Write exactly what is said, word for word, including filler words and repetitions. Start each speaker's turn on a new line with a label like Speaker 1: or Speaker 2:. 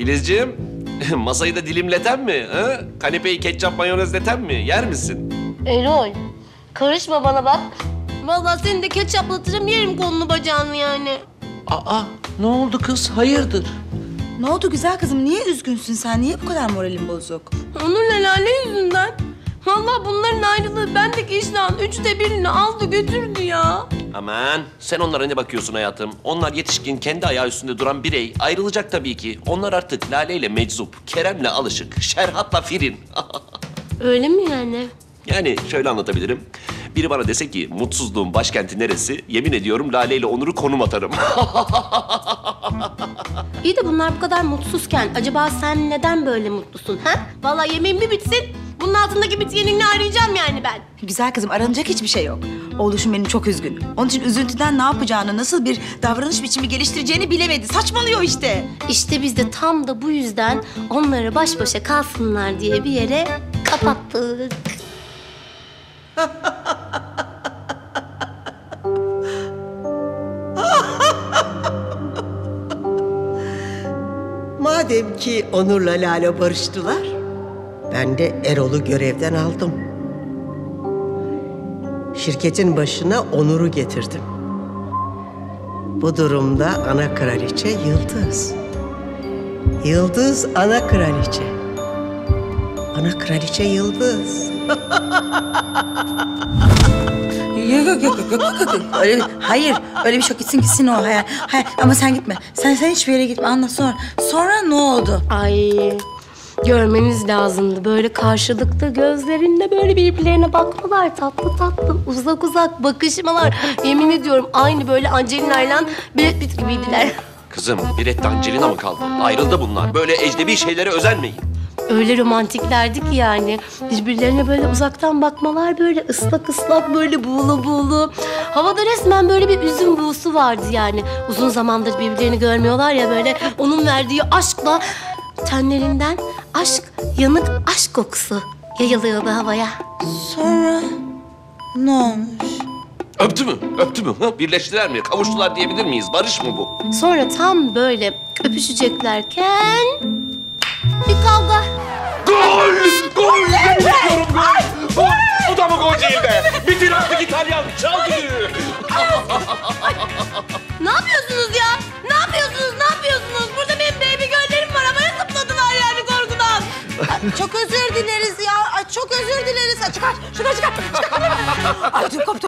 Speaker 1: Filizciğim, masayı da dilimleten mi? Ha? Kanepeyi ketçap mayonezleten mi? Yer misin?
Speaker 2: Erol, karışma bana bak. Vallahi seni de ketçaplatırım, yerim kolunu bacağını yani.
Speaker 3: Aa, ne oldu kız? Hayırdır?
Speaker 4: Ne oldu güzel kızım? Niye üzgünsün sen? Niye bu kadar moralin bozuk?
Speaker 2: Onur'la Lale yüzünden. Vallahi bunların ayrılığı bendeki iştahın üçte birini aldı götürdü ya.
Speaker 1: Aman, sen onlara ne bakıyorsun hayatım? Onlar yetişkin, kendi ayağı üstünde duran birey. Ayrılacak tabii ki. Onlar artık Lale ile meczup, Kerem'le alışık, Şerhat'la Firin.
Speaker 2: Öyle mi yani?
Speaker 1: Yani şöyle anlatabilirim. Biri bana dese ki mutsuzluğun başkenti neresi? Yemin ediyorum Lale ile Onur'u konum atarım.
Speaker 2: İyi de bunlar bu kadar mutsuzken acaba sen neden böyle mutlusun ha? Vallahi yemeğim bir bitsin. Bunun altındaki bit yenini arayacağım yani ben.
Speaker 4: Güzel kızım aranacak hiçbir şey yok. Oğluşum benim çok üzgün. Onun için üzüntüden ne yapacağını, nasıl bir davranış biçimi geliştireceğini bilemedi. Saçmalıyor işte.
Speaker 2: İşte biz de tam da bu yüzden onları baş başa kalsınlar diye bir yere kapattık.
Speaker 5: Madem ki Onur'la Lale barıştılar, ben de Erol'u görevden aldım. Şirketin başına Onur'u getirdim. Bu durumda ana kraliçe Yıldız. Yıldız ana kraliçe. Ana kraliçe Yıldız.
Speaker 4: Yok yok yok yok yok yok. Öyle, hayır öyle bir şey yok. Gitsin gitsin o. Hayır, hayır. Ama sen gitme. Sen sen hiçbir yere gitme. Anla sonra. Sonra ne oldu?
Speaker 2: Ay görmeniz lazımdı. Böyle karşılıklı gözlerinde böyle birbirlerine bakmalar. Tatlı tatlı uzak uzak bakışmalar. Yemin ediyorum aynı böyle Angelina ile Brad Pitt gibiydiler.
Speaker 1: Kızım, bir etti Angelina mı kaldı? Ayrıldı bunlar. Böyle ecnebi şeylere özenmeyin.
Speaker 2: Öyle romantiklerdi ki yani. Birbirlerine böyle uzaktan bakmalar, böyle ıslak ıslak, böyle buğulu buğulu. Havada resmen böyle bir üzüm buğusu vardı yani. Uzun zamandır birbirlerini görmüyorlar ya böyle. Onun verdiği aşkla tenlerinden aşk, yanık aşk kokusu yayılıyordu havaya.
Speaker 4: Sonra ne olmuş?
Speaker 1: Öptü mü? Öptü mü? Ha? Birleştiler mi? Kavuştular diyebilir miyiz? Barış mı bu?
Speaker 2: Sonra tam böyle öpüşeceklerken bir kavga.
Speaker 1: Gol! Gol! Bekliyorum gol! Gol! Bu da mı gol değil be? Bitir artık İtalyan! Çal düdüğü!
Speaker 2: Ne yapıyorsunuz ya? Ne yapıyorsunuz? Ne yapıyorsunuz? Burada benim baby göllerim var. Havaya zıpladılar yani korkudan.
Speaker 4: Çok özür dileriz ya. Ay, çok özür dileriz. Ay, çıkar, çıkar, çıkar. çıkar. Ay, dur, koptu.